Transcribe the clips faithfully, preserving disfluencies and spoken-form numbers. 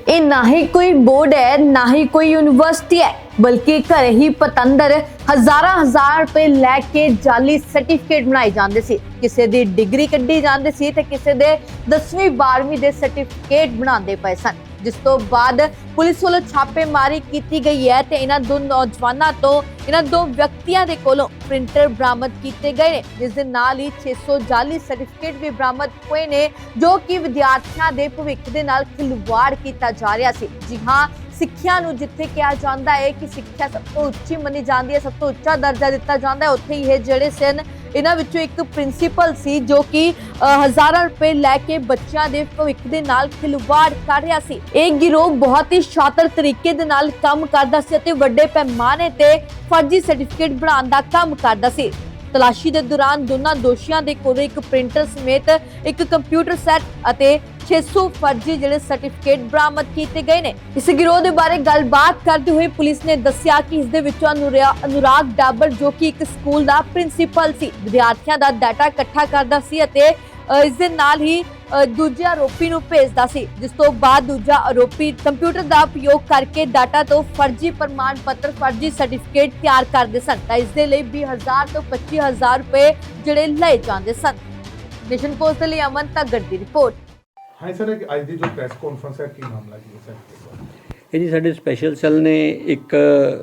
ये ना ही कोई बोर्ड है ना ही कोई यूनिवर्सिटी है, बल्कि घर ही पतंदर हजारां हजार रुपए लैके जाली सर्टिफिकेट बनाए जाते सी। किसी दी डिग्री कड्ढी जाती सी ते किसी दे दसवीं बारहवीं दे सर्टिफिकेट बनाते पे सन, जिस तो बाद पुलिस वालों छापेमारी की गई है ते इन्हां दो नौजवानों तो इन्हां दो व्यक्तियों के कोलों प्रिंटर बरामद किए गए ने, जिस दे नाल ही छे सौ जाली सर्टिफिकेट भी बरामद हुए ने, जो कि विद्यार्थियों के भविख दे नाल खिलवाड़ किया जा रहा सी। जी हाँ, सिक्ख्या नूं जिथे कहा जाता है कि सिक्ख्या सब तो उच्ची मनी जाती है, सब तो उच्चा दर्जा दिता जाता है, उत्थे ही ये जिहड़े सन इन्हां विचों एक प्रिंसीपल सी जो कि हज़ारां रुपए लैके बच्चों के भविख दे नाल खिलवाड़ कर रहा सी। एक गिरोह बहुत ही शातिर तरीके दे नाल काम करदा सी ते वड्डे पैमाने ते फर्जी सर्टिफिकेट बनाउण दा काम करदा सी। तलाशी के दौरान दोनों दोषियों के कोल एक प्रिंटर समेत एक कंप्यूटर सैट और छे सौ फर्जी जिहड़े सर्टिफिकेट बरामद किए गए हैं। इस गिरोह के बारे गलबात करते हुए पुलिस ने दस्सिया कि इस दे विचों अनुराग डाबर जो कि एक स्कूल का प्रिंसीपल सी विद्यार्थियों का डाटा इकट्ठा करता सी अते इस दे नाल ही दूजे आरोपी नूं भेजदा सी, जिस तो बाद दूजा आरोपी कंप्यूटर का उपयोग करके डाटा तो फर्जी प्रमाण पत्र फर्जी सर्टिफिकेट तैयार करते सन। तां इस दे लई बीस हजार तो पच्ची हजार रुपए जिहड़े लए जांदे सन। नेशन पोस्ट के लिए अमन तगड़ की रिपोर्ट। हाँ सर, एक आज की जो प्रेस कॉन्फ्रेंस है की मामला की है सर? ਇਹ ਜੀ ਸਾਡੇ ਸਪੈਸ਼ਲ ਸੈੱਲ ਨੇ ਇੱਕ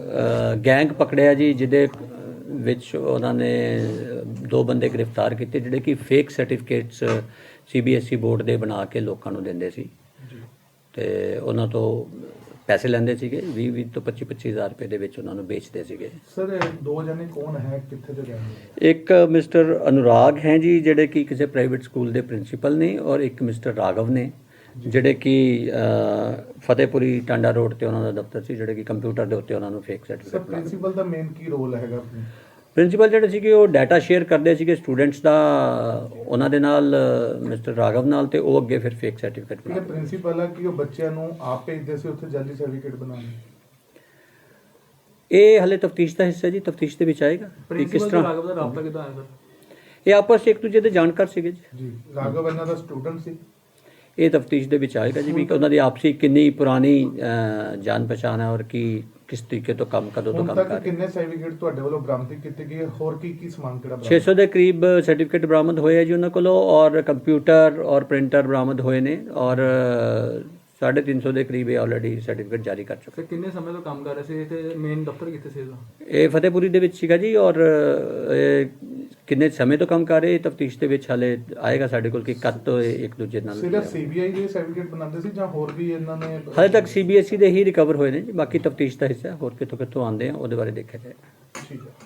ਗੈਂਗ ਪਕੜਿਆ ਜੀ, ਜਿਹਦੇ ਵਿੱਚ ਉਹਨਾਂ ਨੇ ਦੋ ਬੰਦੇ ਗ੍ਰਿਫਤਾਰ ਕੀਤੇ ਜਿਹੜੇ ਕਿ fake certificates C B S E board ਦੇ ਬਣਾ ਕੇ ਲੋਕਾਂ ਨੂੰ ਦਿੰਦੇ ਸੀ ਤੇ ਉਹਨਾਂ ਤੋਂ ਪੈਸੇ ਲੈਂਦੇ ਸੀਗੇ, ਵੀਹ ਵੀਹ ਤੋਂ ਪੱਚੀ ਪੱਚੀ ਹਜ਼ਾਰ ਰੁਪਏ ਦੇ ਵਿੱਚ ਉਹਨਾਂ ਨੂੰ ਵੇਚਦੇ ਸੀਗੇ। ਸਰ ਦੋ ਜਣੇ ਕੌਣ ਹੈ, ਕਿੱਥੇ ਦੇ ਰਹਿਣ ਵਾਲੇ? ਇੱਕ ਮਿਸਟਰ ਅਨੁਰਾਗ ਹੈ ਜੀ ਜਿਹੜੇ ਕਿ ਕਿਸੇ ਪ੍ਰਾਈਵੇਟ ਸਕੂਲ ਦੇ ਪ੍ਰਿੰਸੀਪਲ ਨੇ, ਔਰ ਇੱਕ ਮਿਸਟਰ ਰਾਘਵ ਨੇ ਜਿਹੜੇ ਕਿ ਫਤਿਹਪੁਰੀ ਟਾਂਡਾ ਰੋਡ ਤੇ ਉਹਨਾਂ ਦਾ ਦਫ਼ਤਰ ਸੀ, ਜਿਹੜੇ ਕਿ ਕੰਪਿਊਟਰ ਦੇ ਉੱਤੇ ਉਹਨਾਂ ਨੂੰ ਫੇਕ ਸਰਟੀਫਿਕੇਟ। ਸਰ ਪ੍ਰਿੰਸੀਪਲ ਦਾ ਮੇਨ ਕੀ ਰੋਲ ਹੈਗਾ? ਪ੍ਰਿੰਸੀਪਲ ਜਿਹੜੇ ਸੀਗੇ ਉਹ ਡਾਟਾ ਸ਼ੇਅਰ ਕਰਦੇ ਸੀਗੇ ਸਟੂਡੈਂਟਸ ਦਾ ਉਹਨਾਂ ਦੇ ਨਾਲ, ਮਿਸਟਰ ਰਾਘਵ ਨਾਲ, ਤੇ ਉਹ ਅੱਗੇ ਫਿਰ ਫੇਕ ਸਰਟੀਫਿਕੇਟ ਬਣਾਉਂਦੇ। ਪ੍ਰਿੰਸੀਪਲ ਆ ਕਿ ਉਹ ਬੱਚਿਆਂ ਨੂੰ ਆਪ ਭੇਜਦੇ ਸੀ ਉੱਥੇ ਜਾਲੀ ਸਰਟੀਫਿਕੇਟ ਬਣਾਉਣ? ਇਹ ਹਲੇ ਤਫਤੀਸ਼ ਦਾ ਹਿੱਸਾ ਜੀ, ਤਫਤੀਸ਼ ਦੇ ਵਿੱਚ ਆਏਗਾ ਕਿ ਕਿਸ ਤਰ੍ਹਾਂ। ਰਾਘਵ ਦਾ ਰਾਬਤਾ ਕਿੱਦਾਂ ਆਇਆ ਸਰ? ਇਹ ਆਪਸ 'ਚ ਇੱਕ ਦੂਜੇ ਦੇ ਜਾਣਕਾਰ ਸੀਗੇ ਜੀ। ਜੀ ਰਾਘਵ ਇਹਨਾਂ ਦਾ ਸਟੂਡੈਂਟ ਸੀ? ਇਹ ਤਫਤੀਸ਼ ਦੇ ਵਿੱਚ ਆਏਗਾ ਜੀ ਵੀ ਉਹਨਾਂ ਦੀ ਆਪਸੀ ਕਿੰਨੀ ਪੁਰਾਣੀ ਜਾਣ ਪਛਾਣ ਹੈ ਔਰ ਕੀ ਕਿਸ ਤਰੀਕੇ ਤੋਂ ਕੰਮ ਕਦੋਂ ਤੋਂ ਕੰਮ ਕਰ ਰਹੇ। ਕਿੰਨੇ ਸਰਟੀਫਿਕੇਟ ਤੁਹਾਡੇ ਵੱਲੋਂ ਬਰਾਮਦ ਕੀਤੇ ਗਏ, ਹੋਰ ਕੀ ਕੀ ਸਮਾਨ ਕਿਹੜਾ? ਛੇ ਸੌ ਦੇ ਕਰੀਬ ਸਰਟੀਫਿਕੇਟ ਬਰਾਮਦ ਹੋਏ ਆ ਜੀ ਉਹਨਾਂ ਕੋਲੋਂ, ਔਰ ਕੰਪਿਊਟਰ ਔਰ ਪ੍ਰਿੰਟਰ ਬਰਾਮਦ ਹੋਏ ਨੇ, ਔਰ ਸਾਢੇ ਤਿੰਨ ਸੌ ਦੇ ਕਰੀਬ ਇਹ ਆਲਰੇਡੀ ਸਰਟੀਫਿਕੇਟ ਜਾਰੀ ਕਰ ਚੁੱਕੇ। ਕਿੰਨੇ ਸਮੇਂ ਤੋਂ ਕੰਮ ਕਰ ਰਹੇ ਸੀ ਤੇ ਮੇਨ ਦਫ਼ਤਰ ਕਿੱਥੇ ਸੀ ਇਹਦਾ? ਇਹ ਫਤਿਹਪੁਰੀ ਦੇ ਵਿੱਚ ਸੀਗਾ ਜੀ, ਔਰ ਕਿੰਨੇ ਸਮੇਂ ਤੋਂ ਕੰਮ ਕਰ ਰਹੇ ਤਫਤੀਸ਼ ਦੇ ਵਿੱਚ ਹਾਲੇ ਆਏਗਾ ਸਾਡੇ ਕੋਲ ਕਿ ਕਦ ਤੋਂ ਇੱਕ ਦੂਜੇ ਨਾਲ। ਸਿਰਫ ਸੀ ਬੀ ਆਈ ਦੇ ਸਰਟੀਫਿਕੇਟ ਬਣਾਉਂਦੇ ਸੀ ਜਾਂ ਹੋਰ ਵੀ ਇਹਨਾਂ ਨੇ? ਹਾਲੇ ਤੱਕ ਸੀ ਬੀ ਐਸ ਈ ਦੇ ਹੀ ਰਿਕਵਰ ਹੋਏ ਨੇ ਜੀ, ਬਾਕੀ ਤਫਤੀਸ਼ ਦਾ ਹਿੱਸਾ ਹੋਰ ਕਿੱਥੋਂ ਕਿੱਥੋਂ ਆਉਂਦੇ ਆ ਉਹਦੇ ਬਾਰੇ ਦੇਖਿਆ ਜਾਏ। ਠੀਕ ਹੈ।